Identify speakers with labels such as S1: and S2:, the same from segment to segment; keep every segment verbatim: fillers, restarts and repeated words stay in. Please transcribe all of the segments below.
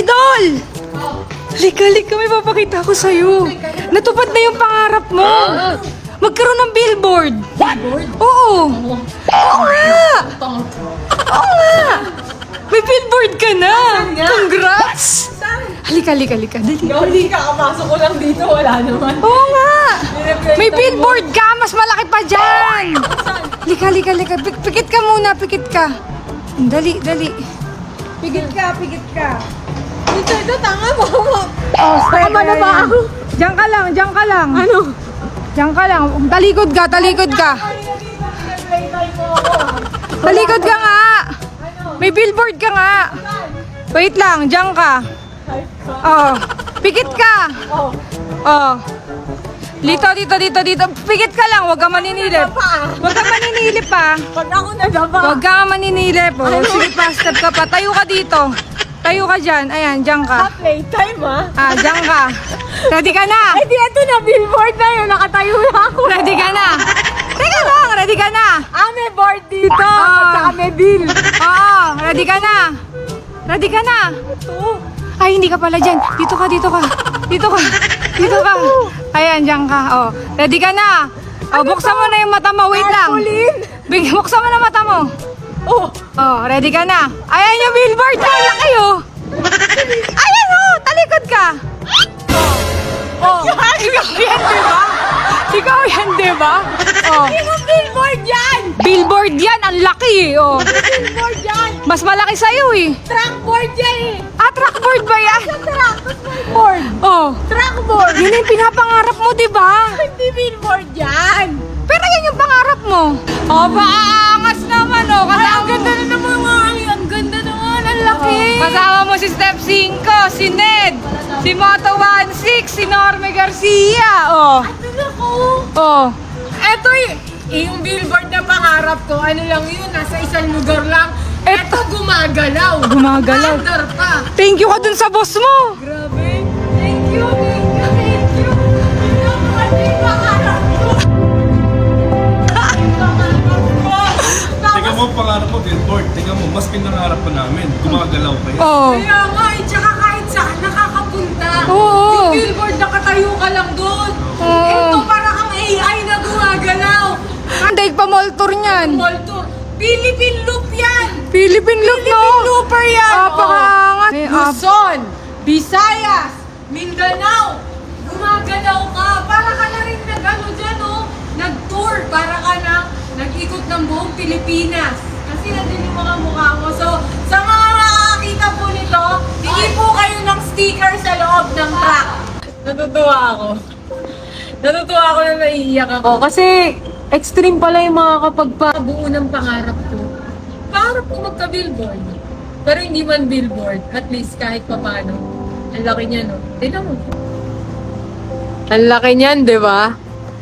S1: Idol! Halika, halika, may papakita ko sa'yo. Natupad na yung pangarap mo. Magkaroon ng billboard.
S2: Billboard?
S1: Oo. Oo nga. Oo nga. May billboard ka na. Congrats. Halika, halika, halika. Dali.
S2: Hindi ka, kapasok ko lang dito, wala naman.
S1: Oo nga. May billboard ka. Mas malaki pa dyan. Halika, halika, halika. Pik- Pikit ka muna, pikit ka. Dali, dali. Pikit ka, pikit ka.
S2: Dito, ito, tanga mo.
S1: Oh,
S2: Tama na ba ako?
S1: Diyan ka lang, diyan ka lang.
S2: Ano?
S1: Diyan ka lang. Talikod ka, talikod ka. Talikod ka nga. May billboard ka nga. Wait lang, diyan ka. Oh, pikit ka.
S2: Oh.
S1: Oh. Dito, dito, dito, dito. Pikit ka lang, huwag ka maninilip. Huwag ka maninilip pa.
S2: Pag ako nadapa.
S1: Huwag ka maninilip. Oh. Sige pa, step ka pa. Tayo ka dito. Tayo ka dyan. Ayan, dyan ka.
S2: Playtime, ha?
S1: Ah, dyan ka. Ready ka na?
S2: Ay, di, ito na, billboard na yun. Nakatayo na ako.
S1: Ready ka na? Teka lang, ready ka na?
S2: Ah, may board dito.
S1: Ah.
S2: At saka may bill.
S1: Oo, ready ka na? Ready ka na?
S2: Ito.
S1: Ay, hindi ka pala dyan. Dito ka, dito ka. Dito ka. Dito ka. Ayan, dyan ka. Oh, ready ka na? Oh, buksan mo na yung mata mo. Wait lang.
S2: Tarpaulin.
S1: Big, buksan mo na mata mo.
S2: Oh.
S1: Oh, ready ka na? Ayan yung billboard. Ang laki, oh. Ayan, oh. Talikod ka. Oh, ikaw yan, di ba? Ikaw yan, di ba? Oh.
S2: Yung billboard yan.
S1: Billboard yan. Ang laki, eh. Oh.
S2: Billboard yan.
S1: Mas malaki sa'yo, eh.
S2: Trackboard yan eh.
S1: Ah, trackboard ba yan?
S2: Sa track. Tapos may board.
S1: Oh.
S2: Trackboard.
S1: Yun yung pinapangarap mo, di ba?
S2: Hindi billboard yan.
S1: Pero yan yung pangarap mo. Oh, paangas naman, oh.
S2: Ay,
S1: Kasama
S2: ang ganda na naman mga ay, ang ganda naman. Ang laki.
S1: Kasama mo si Step five, si Ned, si Moto sixteen, si Norme Garcia. Oh.
S2: Ano ko?
S1: Oh.
S2: Eto y- eh, yung billboard na pangarap ko, ano lang yun, nasa isang lugar lang. Eto gumagalaw.
S1: Gumagalaw.
S2: Under pa.
S1: Thank you ka dun sa boss mo.
S2: Grabe. Thank you, thank you, thank you. Yun ang ano yung pangarap ko. Pangarap ko.
S3: Tingnan mo ang pangarap mo, billboard. Tingnan mo, mas pinangarap pa namin. Gumagalaw pa yan.
S1: Oh.
S2: Kaya nga, eh, tsaka kahit saan nakakapunta.
S1: Oo.
S2: Yung billboard, nakatayo ka lang doon.
S1: Oo.
S2: Ito, parang ang A I na gumagalaw.
S1: Daig pa mall tour niyan.
S2: Mall tour. Philippine Loop yan.
S1: Philippine look, no?
S2: Philippine Looper yan.
S1: Apakangat.
S2: Oh.
S1: Eh, ah,
S2: Luzon, Visayas, Mindanao. Gumagalaw ka. Para ka na rin nag-ano dyan, oh. Nag-tour. Para ka na nag-ikot ng buong Pilipinas. Kasi nandun yung mga mukha mo. So, sa mga nakakita po nito, hindi po kayo ng sticker sa loob ng truck. Natutuwa ako. Natutuwa ako na naiiyak ako. Kasi extreme pala yung mga kapag pabuo ng pangarap ko. Pangarap ko magka-billboard. Pero hindi man billboard. At least kahit pa paano. Ang laki niya, no? Tignan mo. Ang laki niyan, di ba?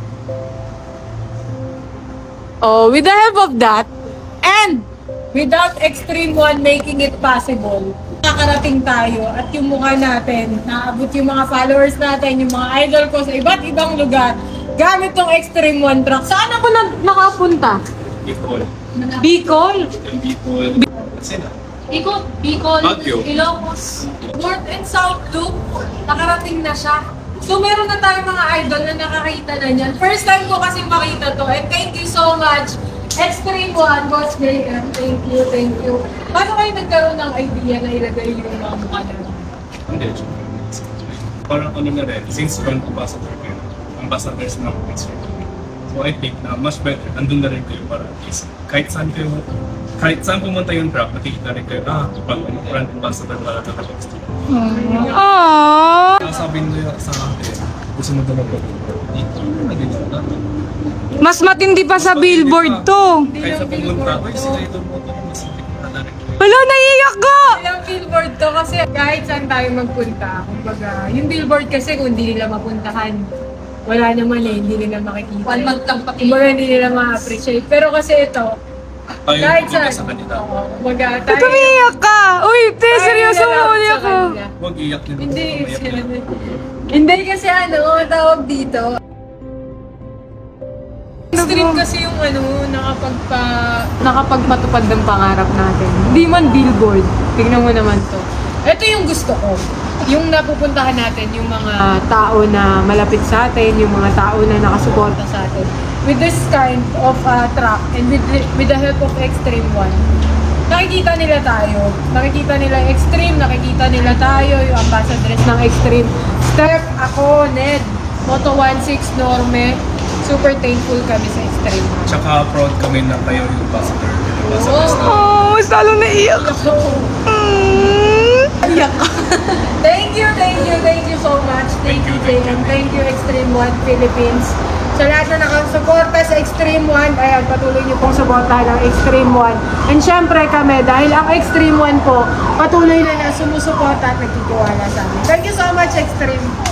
S2: Oh, with the help of that, and without Extreme One making it possible, nakakarating tayo at yung mukha natin, naabot yung mga followers natin, yung mga idol ko sa iba't ibang lugar, gamit tong Extreme One truck. Saan ako na nakapunta?
S3: Bicol.
S2: Bicol?
S3: Bicol. Kasi na.
S2: Ikot, Bicol,
S3: Baguio.
S2: Ilocos, North and South Loop, nakarating na siya. So meron na tayong mga idol na nakakita na niyan. First time ko kasi makita to, and thank you so much. Extreme One, Boss J M. Thank you, thank you. Paano kayo nagkaroon ng idea na ilagay yung mga mukha na lang?
S3: Hindi. Parang ano na rin, since brand ambassador kayo, ambassadors ng Extreme. So I think na much better, andun na rin kayo para at least kahit saan kayo, kahit saan pumunta yung truck, nakikita rin kayo, ah, brand, brand ambassador para sa Extreme.
S1: Aww.
S3: Sabi nila sa akin, gusto mo talaga dito, nandito na.
S1: Mas matindi pa sa billboard to.
S3: Kahit sa pumunta, ay sila ito mo ito, mas na na rin.
S1: Wala, naiiyak ko!
S2: Ilang billboard to kasi kahit saan tayo magpunta, kumbaga, yung billboard kasi kung hindi nila mapuntahan, wala naman eh, hindi nila makikita. One month lang pati. Kumbaga hindi nila ma-appreciate. Pero kasi ito,
S3: Tayo
S2: kahit
S3: yung
S2: saan,
S3: sa kanila.
S2: oo, kumbaga
S1: Ba't
S2: tayo,
S1: umiiyak ka? Uy, te,
S2: tayo
S1: seryoso
S2: nilalaot
S1: mo,
S2: sa
S1: ulit ako.
S2: kanila.
S3: Huwag iyak nila.
S2: Hindi,
S3: Umiyak
S2: sila
S3: nila.
S2: Hindi kasi ano, tawag dito. Extreme kasi yung ano, nakapagpa, nakapagmatupad ng pangarap natin. Hindi man billboard. Tingnan mo naman to. Ito yung gusto ko. Yung napupuntahan natin, yung mga tao na malapit sa atin, yung mga tao na nakasuporta sa atin. With this kind of uh, truck and with, the- with the help of Extreme One, nakikita nila tayo. Nakikita nila yung Extreme, nakikita nila tayo, yung ambassadors ng Extreme. Steph, ako, Ned, Moto sixteen Norme, super thankful kami sa Extreme.
S3: Tsaka proud kami na kayo yung ambassador. Yung ambassadors na.
S1: Oh, mas lalo naiyak.
S2: Iyak ka. Thank you, thank you, thank you so much. Thank,
S3: Thank you,
S2: you,
S3: thank
S2: Jay,
S3: you,
S2: and
S3: thank
S2: thank you, Extreme One Philippines. Sa lahat na nakasuporta sa Extreme One, ayan, patuloy niyo pong suportahan ang Extreme One. And syempre kami, dahil ang Extreme One po, patuloy na na sumusuporta at nagtitiwala sa amin. Thank you so much, Extreme.